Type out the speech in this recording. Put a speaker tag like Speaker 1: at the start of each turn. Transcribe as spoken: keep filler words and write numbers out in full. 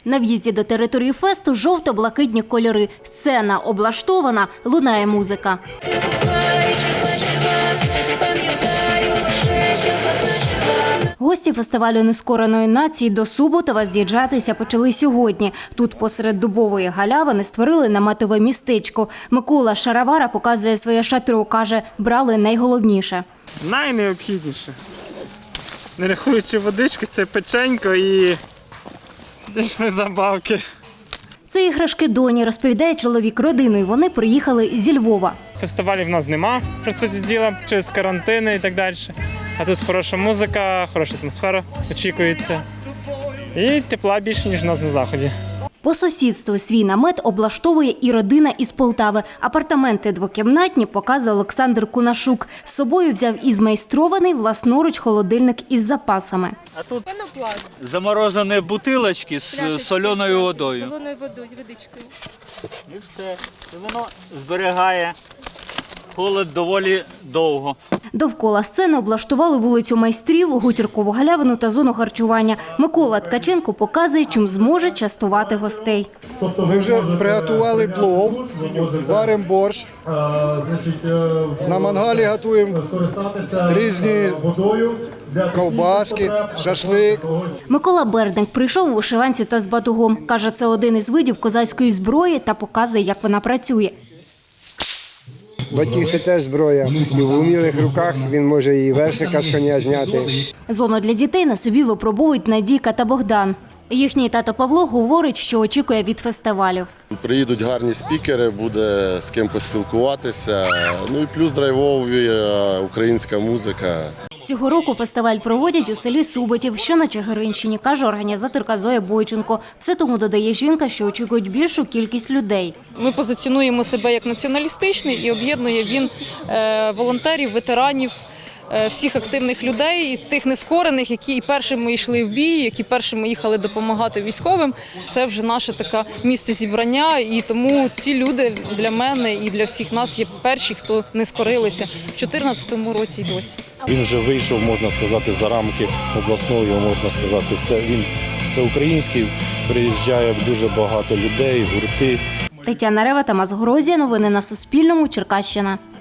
Speaker 1: На в'їзді до території фесту жовто-блакитні кольори. Сцена облаштована, лунає музика. Гості фестивалю нескореної нації до Суботова з'їжджатися почали сьогодні. Тут посеред дубової галявини створили наметове містечко. Микола Шаровара показує своє шатро, каже, брали найголовніше.
Speaker 2: Найнеобхідніше. Не рахуючи водички, це печенько і дичні забавки.
Speaker 1: Це іграшки доні, розповідає чоловік родиною. Вони приїхали зі Львова.
Speaker 2: Фестивалів в нас нема, про це діла, через карантини і так далі. А тут хороша музика, хороша атмосфера очікується. І тепла більше, ніж у нас на Заході.
Speaker 1: По сусідству свій намет облаштовує і родина із Полтави. Апартаменти двокімнатні показує Олександр Кунашук. З собою взяв і змайстрований власноруч холодильник із запасами.
Speaker 3: А тут заморожені бутилочки з соленою водою.
Speaker 4: Солоною водою, водичкою.
Speaker 3: І все. І воно зберігає холод доволі довго.
Speaker 1: Довкола сцени облаштували вулицю майстрів, гутіркову галявину та зону харчування. Микола Ткаченко показує, чим зможе частувати гостей.
Speaker 5: Ми вже приготували плов, варимо борщ, на мангалі готуємо різні ковбаски, шашлик.
Speaker 1: Микола Бердник прийшов у вишиванці та з батугом. Каже, це один із видів козацької зброї та показує, як вона працює.
Speaker 6: Батіг – це теж зброя. І в умілих руках він може і вершика з коня зняти.
Speaker 1: Зону для дітей на собі випробують Надійка та Богдан. Їхній тато Павло говорить, що очікує від фестивалів.
Speaker 7: Приїдуть гарні спікери, буде з ким поспілкуватися. Ну і плюс драйвова українська музика.
Speaker 1: Цього року фестиваль проводять у селі Суботів, що на Чигиринщині, каже організаторка Зоя Бойченко. Все тому, додає жінка, що очікують більшу кількість людей.
Speaker 4: Ми позиціонуємо себе як націоналістичний і об'єднує він е, волонтерів, ветеранів, е, всіх активних людей, і тих нескорених, які і першими йшли в бій, які першими їхали допомагати військовим. Це вже наше таке місце зібрання, і тому ці люди для мене і для всіх нас є перші, хто не скорилися в дві тисячі чотирнадцятому році і досі.
Speaker 8: Він вже вийшов, можна сказати, за рамки обласної, можна сказати, це він всеукраїнський, приїжджає дуже багато людей, гурти.
Speaker 1: Тетяна Рева, Тамас Грозія. Новини на Суспільному. Черкащина.